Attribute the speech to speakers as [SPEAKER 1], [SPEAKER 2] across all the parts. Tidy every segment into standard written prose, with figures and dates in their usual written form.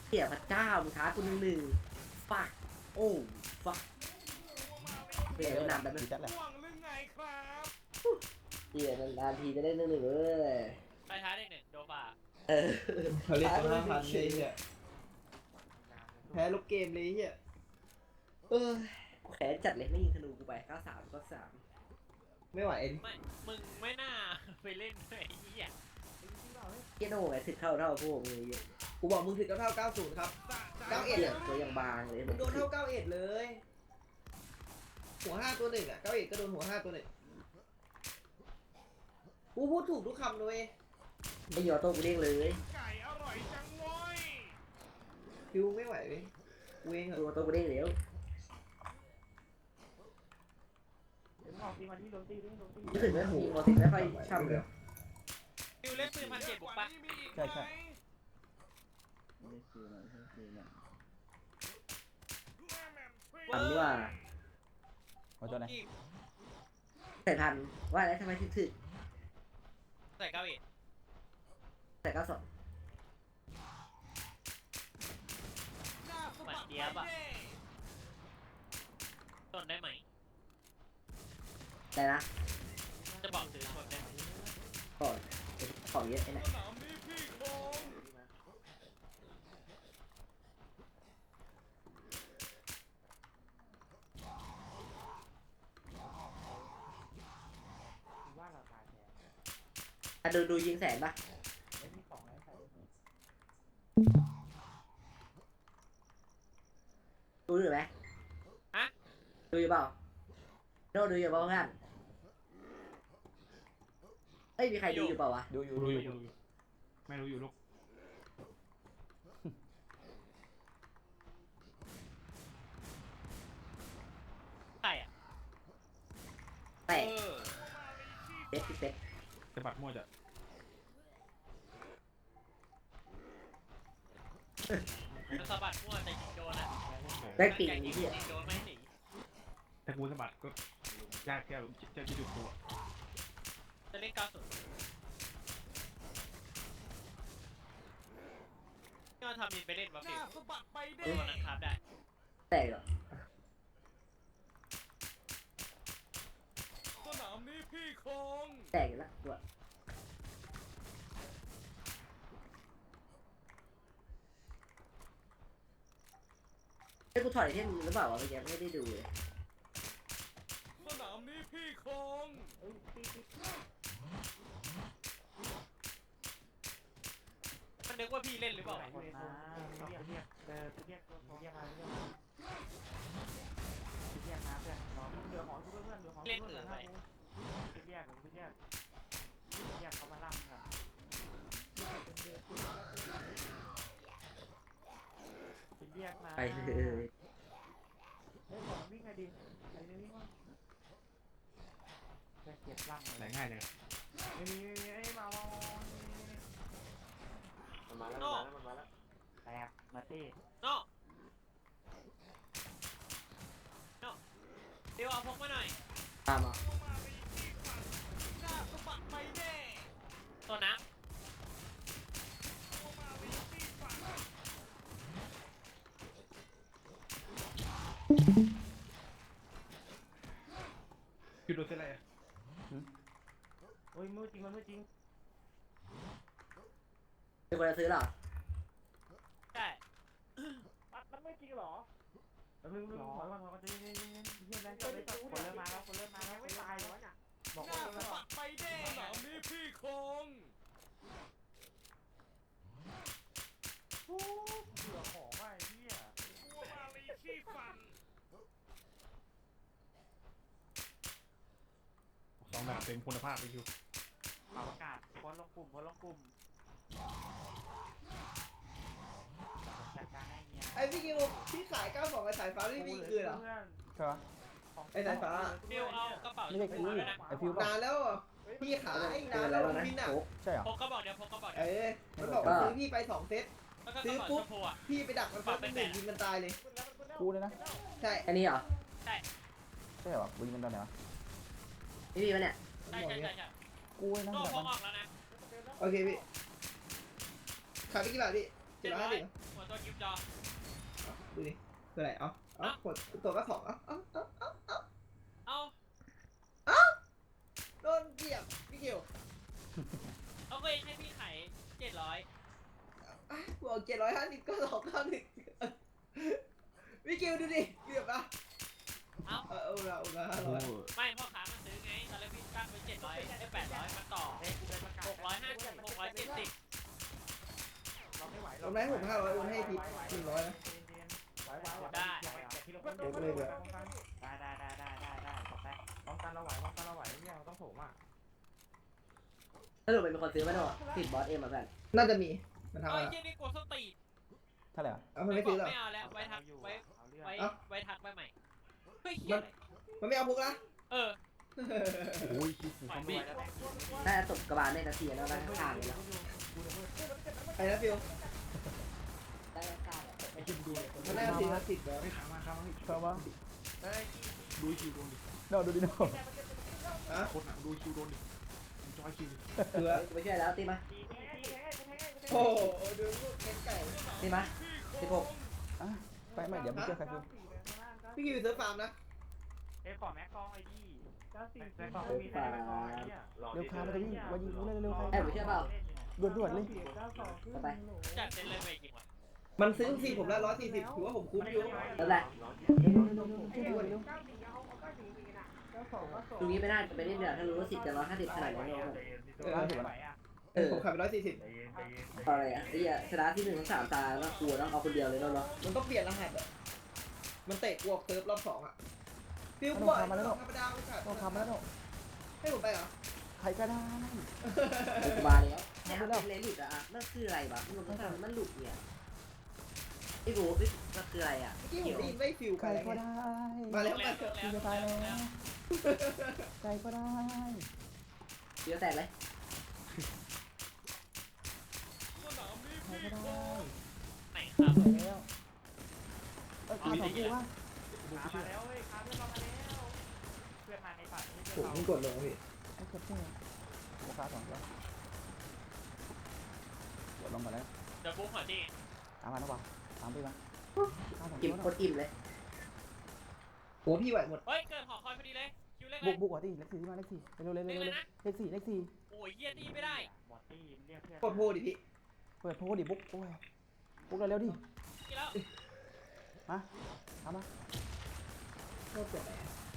[SPEAKER 1] เหี้ยพระเจ้ามึงท้ากูหนึ่งฟักโอ้ฟักเปลี่ยนนามแบบนั้น
[SPEAKER 2] จัดแหละ
[SPEAKER 3] ห่วงหรือไงครับ
[SPEAKER 1] เหี้ยนานๆทีจะได้1-1เว้ย
[SPEAKER 4] ไปท้าเด็กหนึ่งโดฟ่า
[SPEAKER 1] เออ
[SPEAKER 2] เขาเรียกตัว5,000เลยเนี่ยแพ้ลูกเกมเลยเฮีย
[SPEAKER 1] เออแขนจัดเลยไม่ยิงธนูกูไป93
[SPEAKER 2] ไม่ไหวเอ็น
[SPEAKER 4] ไม่มึงไม่น่าไปเล่นด้วยไอ้เหี้ย
[SPEAKER 1] เกียโน่ไงถึกเท่าพวกมึงเยอะ
[SPEAKER 2] กูบอกมึงถึงเท่า90ครับ 91
[SPEAKER 1] เหี้ยตัวยังบางเลย
[SPEAKER 2] มึงโดนเท่า91เลย หัว5ตัวหนึ่งอ่ะ91ก็โดนหัว5ตัวหนึ่งกูพูดถูกทุกคำเลย
[SPEAKER 1] ไม่ยอโต้กูเด้งเลย
[SPEAKER 3] ไก่อร่อยจังเว้ย
[SPEAKER 2] คิวไม่ไหวเลยกูเองเหร
[SPEAKER 1] ตั
[SPEAKER 2] อ
[SPEAKER 1] วโต้กูเด้งแล้วรู้สึกไหมหูมอติไม่ค่อยช่ำเลย
[SPEAKER 4] ฟิวเล่นปืน1,700บุกปะ
[SPEAKER 2] ใช่ใช่
[SPEAKER 1] ทำดีว่า
[SPEAKER 2] เอาตัวไหน
[SPEAKER 1] แต่ทันว่าแล้วทำไมถึก
[SPEAKER 4] ใส่เก้าอี้
[SPEAKER 1] แต่92
[SPEAKER 4] เหมือนเดียบอะทนได้ไหม
[SPEAKER 1] ได้นะ
[SPEAKER 4] จะบอกถือทนได้ไหม
[SPEAKER 1] ก่อนของเยอะไอ้เนี่ย
[SPEAKER 3] สนามนี้พี่คง
[SPEAKER 1] ดูยิงแสนปะดูอยู่ไหม
[SPEAKER 4] ฮะ
[SPEAKER 1] ดูอยู่เปล่าโน่ดูอยู่เปล่าเพื่อนเอ้ยมีใครดูอยู่เปล่าวะ
[SPEAKER 2] ดูอยู่
[SPEAKER 3] รู้อยู่ไม่รู้อยู่ลูก
[SPEAKER 4] ใส่อะ
[SPEAKER 1] แตก
[SPEAKER 4] เออ
[SPEAKER 1] เซ็ตเซ็ต
[SPEAKER 3] จะบัดมั่วจะ
[SPEAKER 4] มันสะบัดมั่วแต่ยิงโดนอะ
[SPEAKER 1] ได้ปิง
[SPEAKER 4] ยิ
[SPEAKER 1] นี่
[SPEAKER 4] ง
[SPEAKER 1] ที่
[SPEAKER 4] โดนไม่หนี
[SPEAKER 3] ถ้ากูสะบัดก็ยากแค่จะจุดตัว
[SPEAKER 4] จะเล่น90นี่มันทำมินไปเล่นวะฟิว
[SPEAKER 3] สะบัดไปเด้
[SPEAKER 4] ตัวนั้นครับได้
[SPEAKER 1] แตกเหรอ
[SPEAKER 3] สนามนี้พี่คง
[SPEAKER 1] แตกอยู่แล้วตัวไอ้กูถอดไอเทมหรือเปล่าวะเมื่อกี้ไม่ได้ดูเลย
[SPEAKER 3] สนามนี้พี่คง
[SPEAKER 4] มันนึกว่าพี่เล่นหรือเปล่า
[SPEAKER 5] เรียกมาเรียกมาเรียกมาเพื่อนรอเหลือของทุกเพื่อนเหลือของทุกเพื่อนนะกูเรียกเขามาล่ำครับเรียกมา
[SPEAKER 1] ไปเลย
[SPEAKER 5] เฮ้ยของวิ่งไงดีใครจะวิ่งวะจะเก็บล่ำ
[SPEAKER 3] ไหนง่ายเลย
[SPEAKER 5] ไม่มีไอ้มา
[SPEAKER 4] โน่
[SPEAKER 5] แตกมาตี้
[SPEAKER 4] โน่โน่เดี๋ยวเอาพกมาหน่อย
[SPEAKER 1] ตามมา
[SPEAKER 3] สะบัดไปเด้
[SPEAKER 4] ตัวน้
[SPEAKER 3] คือโดนเส้นอะไร
[SPEAKER 5] โอ้ยมือจริงมันมือจริง
[SPEAKER 1] เป็นคนจะซื้อเหรอ
[SPEAKER 4] ำใช่
[SPEAKER 5] มันไม่จริงหรอมึงถอยก่อนจะเฮียแล้วคนเริ่มมาแล้วไม่ตายแล้วเนี่ยบอกว่า
[SPEAKER 3] สะบัดไปเด้สนามนี้พี่คง
[SPEAKER 5] เบื่อของว่ะไอ้เหี้ย
[SPEAKER 3] กลัวมาลีขี้ฟันสองแบบเต็มคุณภาพไปอยู่
[SPEAKER 5] เป่าอากาศพ้นลงกลุ่มจัดการให้เงี้ย
[SPEAKER 2] ไอพี่กิวที่ขาย92ไอสายฟ้าไม่มีคืนเหรอ
[SPEAKER 5] ใช่ปะ
[SPEAKER 2] ไอ้สายฟ้า
[SPEAKER 4] ฟิวเอากระเป๋า
[SPEAKER 6] ไม่ได้กู
[SPEAKER 4] ด้วยนะ
[SPEAKER 6] ไอฟิว
[SPEAKER 2] นานแล้วอ่ะพี่ขาย
[SPEAKER 1] เป็น
[SPEAKER 2] นาน
[SPEAKER 1] อะไร
[SPEAKER 2] แล้ว
[SPEAKER 1] วะนะ
[SPEAKER 2] พี่น่ะ
[SPEAKER 1] โอ้
[SPEAKER 6] ใช่เหรอ
[SPEAKER 4] พกกระบอกเดียวพกกระบอกเดี
[SPEAKER 2] เอ
[SPEAKER 4] ยว
[SPEAKER 2] อมันบอกว่าซื้อพี่ไป2 เซต
[SPEAKER 4] แล้วก็กระเป๋าชมพูอะ
[SPEAKER 2] พี่ไปดักมันฟันเป็นหนึ่งยิงมันตายเลย
[SPEAKER 6] กูเลยนะ
[SPEAKER 2] ใช่
[SPEAKER 1] อันนี้เหรอ
[SPEAKER 6] ใช่เหรอกูยิงมันตอนไหนวะ
[SPEAKER 1] นี่มีปะเนี่ย
[SPEAKER 4] ใช่ใช่ใช่ใช่
[SPEAKER 6] กูเลยนะ
[SPEAKER 4] โน่
[SPEAKER 6] แบบ
[SPEAKER 4] พ
[SPEAKER 6] มั
[SPEAKER 4] ก
[SPEAKER 6] น
[SPEAKER 4] ออกแล้วนะ
[SPEAKER 2] โอเคพี่ขายไปกี่บาทพี่
[SPEAKER 4] 700
[SPEAKER 2] 750
[SPEAKER 4] หัวโดนยิบจอ
[SPEAKER 2] ดูดิคืออะไรกดตัวก็2
[SPEAKER 4] เอ้า
[SPEAKER 2] โดนเหยียบพี่เกียว
[SPEAKER 4] เอาเคยให้พี่ไข่700
[SPEAKER 2] บอก750ก็291พี่เกียวดูดิเหยียบอ่ะ
[SPEAKER 4] เอ้า
[SPEAKER 2] เอาละ
[SPEAKER 3] โอ้
[SPEAKER 2] 500
[SPEAKER 4] ไม่พ่อค้ามันซื้อไงตอนแรกพี่ตั้งไว้700ได้800มันต่อ
[SPEAKER 5] เฮ้ยกูเป็นประกาศ
[SPEAKER 4] 650 670
[SPEAKER 5] เราไม่ไหว
[SPEAKER 2] ตรงนั้นผม500โอนให้พี่100นะ
[SPEAKER 5] ไหวแต่ที่เราป้องกันเราไหวเนี่ยเราต้องโถมอ่ะ
[SPEAKER 1] ถ้าหนูเป็นคนซื้อไหมเนาะติดบอสเอ็มมาแบบ
[SPEAKER 2] น่าจะมีมันทำ
[SPEAKER 4] เอ้
[SPEAKER 2] อะ
[SPEAKER 4] ย
[SPEAKER 2] ไร
[SPEAKER 4] เจนี่กดสตี
[SPEAKER 6] เท่าไหร่วะ
[SPEAKER 2] มันไม่ซื้อหรอ
[SPEAKER 4] ไม่เอาแล้วไว้ทักไว้
[SPEAKER 5] เอาเรื่อง
[SPEAKER 4] ไว้ทักไปใหม่เฮ้ยเฮียอะไร
[SPEAKER 2] มันไม่เอาพุกนะ
[SPEAKER 4] เออ
[SPEAKER 3] โอ้ยคิดผม
[SPEAKER 4] ปล่อย
[SPEAKER 3] ทำ
[SPEAKER 4] บี
[SPEAKER 3] ไม่
[SPEAKER 1] น่าจะตบกระบาลในนาทีแล้วนะข้างเลยแล้ว
[SPEAKER 2] ไอ้นะฟิว
[SPEAKER 1] ได้ข้าง
[SPEAKER 3] ไอ้คิดดูเลย
[SPEAKER 2] มันได้ทีละ10แล้ว
[SPEAKER 3] ไม่ค้างมาค้างมา
[SPEAKER 6] ชอบปะ
[SPEAKER 3] ดูคิวโดนดิ
[SPEAKER 6] โดนดูดิโดน
[SPEAKER 3] คนหนังดูคิวโดนดิจอยคิว
[SPEAKER 2] เถือ
[SPEAKER 1] ไม่ช่วยแล้วตีมา
[SPEAKER 2] โอ้ดูลูกเก็นไก่
[SPEAKER 1] ตีมา16
[SPEAKER 6] อ่ะไปไหมเดี๋ยวมึงเจอใครกู
[SPEAKER 2] พี่กิวซื้อฟาร์มนะ
[SPEAKER 5] เอ้ยขอแม็กกองไอ้ดิแม็กกองมีแม็กกองไอ้เนี่ย
[SPEAKER 6] เร็วคามันจะวิ่งมายิงกูเร็วๆใคร
[SPEAKER 1] แอบไม่เชื่อเปล่า
[SPEAKER 6] ด่วนๆเลย
[SPEAKER 1] ไป
[SPEAKER 4] จัดเต็มเลยไปจริงวะ
[SPEAKER 2] มันซื้อซีผมละ140ถือว่าผมคุ้มอยู่
[SPEAKER 1] แล้วแหละ
[SPEAKER 6] ช่วยด่วนเร็ว
[SPEAKER 1] ตรงนี้ไม่น่าจะไปเล่นเดือดถ้ารู้ว่า10จะ150ขนาดนี้เนาะ
[SPEAKER 2] ผมขายไป140
[SPEAKER 1] อะไรอ่ะไอ้ชนะที่1 3 ตาแล้วกลัวต้องเอาคนเดียวเลยเนาะ
[SPEAKER 2] มันต้องเปลี่ยนรหัสอ่ะมันเตะกวกเซิร์ฟรอบ2อ่ะฟิวกวกธรรมดาไม่ขาด
[SPEAKER 6] ต้องทำแล้วเนาะ
[SPEAKER 2] ให้ผมไปเหรอ
[SPEAKER 6] ใครก็ได้
[SPEAKER 1] บาแล้วเลนหลุดอ่ะนั่นคืออะไรวะมันหลุดเนี่ยไอ้โบมันคืออะไรอ่ะ
[SPEAKER 2] เมื่อกี้ผมได้ยินไม่ฟิว
[SPEAKER 6] ใค
[SPEAKER 2] ไป
[SPEAKER 6] รก็ได้
[SPEAKER 2] มาแล้ว
[SPEAKER 4] แล้ว
[SPEAKER 6] กูจะตายแล้วใครก็ได้
[SPEAKER 1] เดี๋ยวแตกเลย
[SPEAKER 6] ใครก็ได้
[SPEAKER 4] ไหนครับ
[SPEAKER 6] แล้วเออขาสองกูวะ
[SPEAKER 5] มาแล้วเว้ยคาเพื่อนเรามาแล้วเพื่อนมาในฝัน
[SPEAKER 2] ผมเพิ่งกดลงพี่
[SPEAKER 6] ไอ้เจ็บเนี่ยกูขาสองตัวกดลงก่อนแล้ว
[SPEAKER 4] เดี๋ยวบุ๊กหัวที่
[SPEAKER 6] ตามมาแล้ววะตามไปมาขาสอง
[SPEAKER 1] กิน
[SPEAKER 6] ตัว
[SPEAKER 1] คนอิ่มเลย
[SPEAKER 2] โอ้พี่ไหวหมด
[SPEAKER 4] เฮ้ยเกิดหอคอยพอดีเลยคิวเล็กเล
[SPEAKER 6] บุ
[SPEAKER 4] ย
[SPEAKER 6] กบุกก่อนที่เลขสี่มาเลขสี่เร็วเร็วเร็วเร็วเลขสี่เลขสี่
[SPEAKER 4] โอ้ยเฮียตีไม่ได้
[SPEAKER 5] บอตตี้เรียกเพื่อน
[SPEAKER 2] กดโพดิพี่
[SPEAKER 6] เปิดโพดิบุ๊กโอ้ยบุ๊กเร็วดิ
[SPEAKER 4] กี่แล้ว
[SPEAKER 6] มาทำมา
[SPEAKER 2] โคตรเจ็บ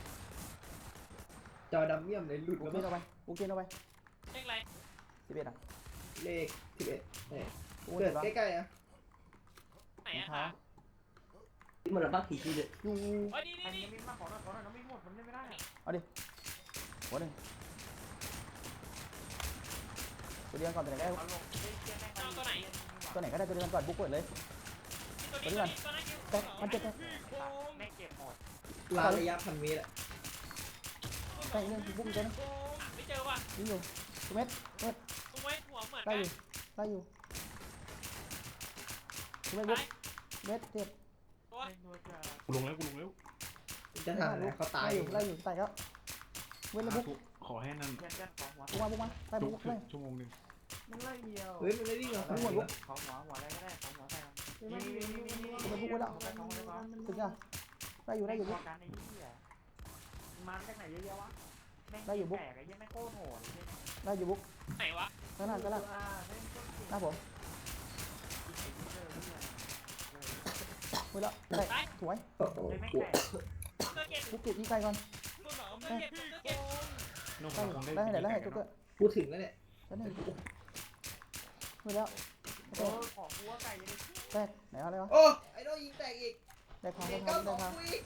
[SPEAKER 2] จอดำเมี่ยมเลยหลุด
[SPEAKER 6] บุ๊
[SPEAKER 2] แล้
[SPEAKER 6] ก
[SPEAKER 2] ว
[SPEAKER 6] เก
[SPEAKER 2] มั้
[SPEAKER 6] นเอาไปบุ๊กเกนเอาไป
[SPEAKER 4] เลขอะไร
[SPEAKER 6] 11อ่ะ
[SPEAKER 2] เลข11เนี่ย
[SPEAKER 6] โอ้ย
[SPEAKER 2] เกิด
[SPEAKER 6] เจ็บ
[SPEAKER 2] ใกล้ๆอ่ะ
[SPEAKER 4] ไหนอะคะ
[SPEAKER 1] ที่มันระบาดผีที่เลย
[SPEAKER 6] อยู่
[SPEAKER 4] เฮ้ยนี่
[SPEAKER 5] อัน
[SPEAKER 4] นี่
[SPEAKER 5] นี้
[SPEAKER 4] นี่
[SPEAKER 5] มีมาขอหน่อยน้องมีหมดมันเล่นไม่ได้
[SPEAKER 6] หัวหนึ่งตัวเดียวก่อนตัวไหนก็ได้
[SPEAKER 5] เอาลงเล่นเกมแม่ง
[SPEAKER 6] ตัวไหนก็ได้ตัวเดียวก่อนบุ๊กเปิดเลย
[SPEAKER 4] ตัวนี้ตัวนั้นคิว
[SPEAKER 6] แต่มันเจ็บแต่
[SPEAKER 5] แม่งเก็บหมด
[SPEAKER 2] ลาระยะพันเมตรอ่ะ
[SPEAKER 6] แต่เรื่องบุ๊กอีกตัวนึง
[SPEAKER 4] ไม่เจอว่ะ
[SPEAKER 6] ยิงอยู่ตัวเม็ด
[SPEAKER 4] ตรงไว้หัวเหมือน
[SPEAKER 6] ได้
[SPEAKER 4] กัน
[SPEAKER 6] อยู่ได้อยู่ตัวเม็ดบุ๊กเม็ดเจ็บ
[SPEAKER 4] ตัว
[SPEAKER 5] เล่นด้วยจะ
[SPEAKER 3] กูลงแล้วกูลงแล้ว
[SPEAKER 2] จะทำอะไรเขาตาย
[SPEAKER 6] ได้อยู่ตายแล้วเว้นแล้วบุ๊ก
[SPEAKER 3] ขอให้นั่น
[SPEAKER 5] เพื่อนของหัว
[SPEAKER 6] บุ๊กมาได้
[SPEAKER 3] จุ
[SPEAKER 6] บุ๊
[SPEAKER 3] ก
[SPEAKER 6] กเลย
[SPEAKER 3] ชั่วโมงนึง
[SPEAKER 5] มันไล่เดียว
[SPEAKER 2] เฮ้ยมันไม่วิ่งหรอก
[SPEAKER 5] ของหัวอะไรก็ได้ของหัวใส่นี่
[SPEAKER 6] ตัวเม็ดบุ๊กไว้แล้ว
[SPEAKER 5] ของหัวได้
[SPEAKER 6] ถึงอ่ะได้อยู่ได้อยู่บุ๊ก
[SPEAKER 5] กันไอ้เหี้ยมันจากไหนเยอะแยะวะแม่งแตกไอ้ยังไม่โคตรโหด
[SPEAKER 6] ได้อยู่บุ๊ก
[SPEAKER 4] ไหนวะ
[SPEAKER 6] ข้างหน้าหน้าผมไว้แล้วได้สวย
[SPEAKER 2] โอ้โห
[SPEAKER 5] เลยแม่ง
[SPEAKER 2] ปวด
[SPEAKER 5] แตก
[SPEAKER 4] เกิดเก็บ
[SPEAKER 6] บุ๊กเก็บอีกไกลก่อน
[SPEAKER 4] คุณบอกเกิดเก็บเกิดเก็บ
[SPEAKER 3] น้อง
[SPEAKER 6] ได้
[SPEAKER 3] คง
[SPEAKER 6] ได้ให้ได้ให้ตุ๊กเกอร์
[SPEAKER 2] พูดถึงแล้วเนี่ย
[SPEAKER 6] แล้วนี่ไว้แล้ว
[SPEAKER 5] โอ้ของหัวไก่ยัง
[SPEAKER 6] แตกไหนอะไรวะ
[SPEAKER 2] โอ้ไอ้โดยิงแตกอีก
[SPEAKER 6] ได้ทาง
[SPEAKER 2] เด็
[SPEAKER 6] ได้
[SPEAKER 2] ก
[SPEAKER 6] ทางได้
[SPEAKER 2] 92
[SPEAKER 6] ทาง
[SPEAKER 2] กูอีก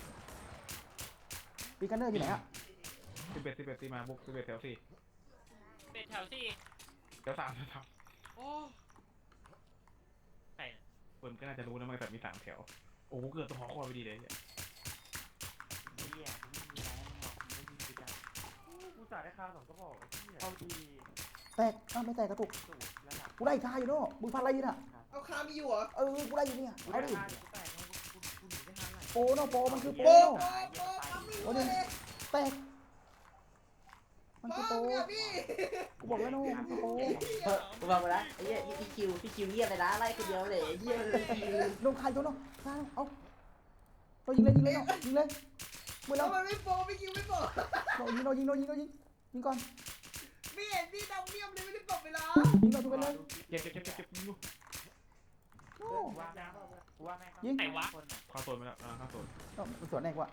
[SPEAKER 6] ปีกันเนอร์อยู่ไหนอ่ะ
[SPEAKER 3] 11ตีมาบุก11แถว4
[SPEAKER 4] เป็นแถวสี่
[SPEAKER 3] แถว3แถว
[SPEAKER 4] โอ้ใคร
[SPEAKER 3] 3เปิ่มก็น่าจะรู้นะมันแบบมี3แถวโอ้เกิดตัวหอคอยไปดีเลย
[SPEAKER 5] เหี้ยไม่มีอะไรหรอกไม่มีสิกันกูจ่ายได้ค่า2ก็บอกเอาที
[SPEAKER 6] แตกอ้าวไม่แตกกระตุก
[SPEAKER 5] สูตรระดับ
[SPEAKER 6] กูได้ท่าอยู่เนาะมึงพันอะไรอยู่น่ะ
[SPEAKER 2] เอาคามีอยู่เหรอ
[SPEAKER 6] กูได้อยู่เนี่ย
[SPEAKER 5] กู
[SPEAKER 6] เอา
[SPEAKER 5] ได้
[SPEAKER 6] ดิ
[SPEAKER 5] ค่าแตกกูหนีได้ทันไหน
[SPEAKER 6] โปเนาะโปมันคือโป
[SPEAKER 2] โป๊ะ
[SPEAKER 6] เนาะ
[SPEAKER 2] โป๊ะโป๊ะคามีอยู่เลย
[SPEAKER 6] แตกมัน
[SPEAKER 2] พ่
[SPEAKER 6] คือ
[SPEAKER 2] อ
[SPEAKER 6] โป
[SPEAKER 2] มึงอะพี่
[SPEAKER 6] กูบอกแล้วโน่มันคือโป
[SPEAKER 1] กูบอกไปแล้วไอ้เหี้ยพี่คิวเยี่ยมไปนะไล่คนเดียวเลยเยี่ยมเลยคิว
[SPEAKER 6] โดนใครโดนโน่เอาเรายิงเลยเนาะยิงเลยมือ
[SPEAKER 2] แล้
[SPEAKER 6] เรา
[SPEAKER 2] วมันไม่โปรพี่คิวไม่โปร
[SPEAKER 6] ยิงก่อน
[SPEAKER 2] ไม่เห็นพี่ดำเนียมเลยไม่ได้ปรับเวลา
[SPEAKER 6] ยิงเราทุกไปเลย
[SPEAKER 3] เจ็บยิงลูก
[SPEAKER 6] โอ้
[SPEAKER 5] กูว่าแม่งคนอ่ะ
[SPEAKER 3] เข้าโซนไปแล้วเข้าโซน
[SPEAKER 6] มันสวนแน่กว่า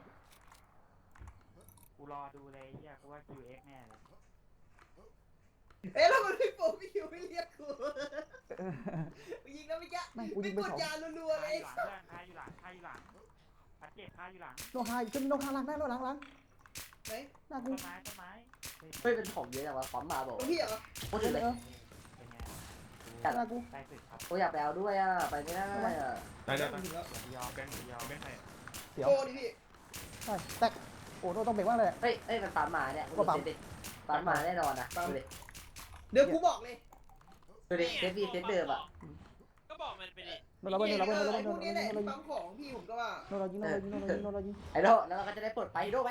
[SPEAKER 5] กูรอดูเลยเฮียกูว่า QX แน่เลย
[SPEAKER 2] เอ๊ะแล้วมันไม่โปรพี่คิวไม่เรียกกูยิงแล้วไม่ยะไม่กดยารัวๆเลย
[SPEAKER 5] คาอยู่หลังพัดเจ็บคาอยู่หลัง
[SPEAKER 6] โนคาขึ้นโนคาหลังได้โนหลัง
[SPEAKER 2] ไหน
[SPEAKER 6] หน้ากู
[SPEAKER 5] ต้นไม้
[SPEAKER 1] เฮ้ยเป็นของเยอะจังวะปั๊มมาบอก
[SPEAKER 2] พี่เหรอ
[SPEAKER 1] พูดถึงเลย
[SPEAKER 5] เป็นไง
[SPEAKER 6] หน้ากู
[SPEAKER 5] ได้สึกครับ
[SPEAKER 1] กูอยากไปเอาด้วยอ่ะไปไม่ได้อ่ะ
[SPEAKER 3] ได้
[SPEAKER 2] ถึงแล้ว
[SPEAKER 5] ยอม
[SPEAKER 3] แบงค์ใคร
[SPEAKER 6] เสียว
[SPEAKER 2] โปรดิพี่
[SPEAKER 6] ใช่แตกโอ้โนต้องเบรกว่าเลย
[SPEAKER 1] เฮ้ยมันปั๊มมาเนี่ยปั๊มมาแน่นอนนะดูดิ
[SPEAKER 2] เดี๋ยวกูบอกเลย
[SPEAKER 1] ดูดิเซฟเดิมอ่ะ
[SPEAKER 4] ก็บอกมันไปดิ
[SPEAKER 6] โนเราเบิ้ล
[SPEAKER 2] ไอ้พวกนี้แหละปั๊มของพี่ผมก็ว่า
[SPEAKER 6] โนเรายิง
[SPEAKER 1] ไอ้โดแล้วเราก็จะได้ปลดไปโดไหม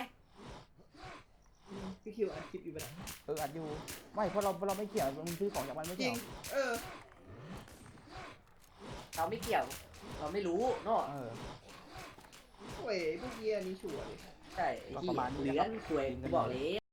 [SPEAKER 2] พี่คิวอัดคลิปอยู่ไปไหน
[SPEAKER 6] อัดอยู่ไม่เพราะเราไม่เกี่ยวมึงซื้อของจากมันไม่
[SPEAKER 2] จริ
[SPEAKER 6] เกี่ย
[SPEAKER 2] ง
[SPEAKER 6] ว
[SPEAKER 1] เราไม่เกี่ยวเราไม่รู้เนาะ
[SPEAKER 2] โอ้ยพวกเยียนี่ชัวร์เลย
[SPEAKER 1] ใช่ที่เหลือคุยบอกเลย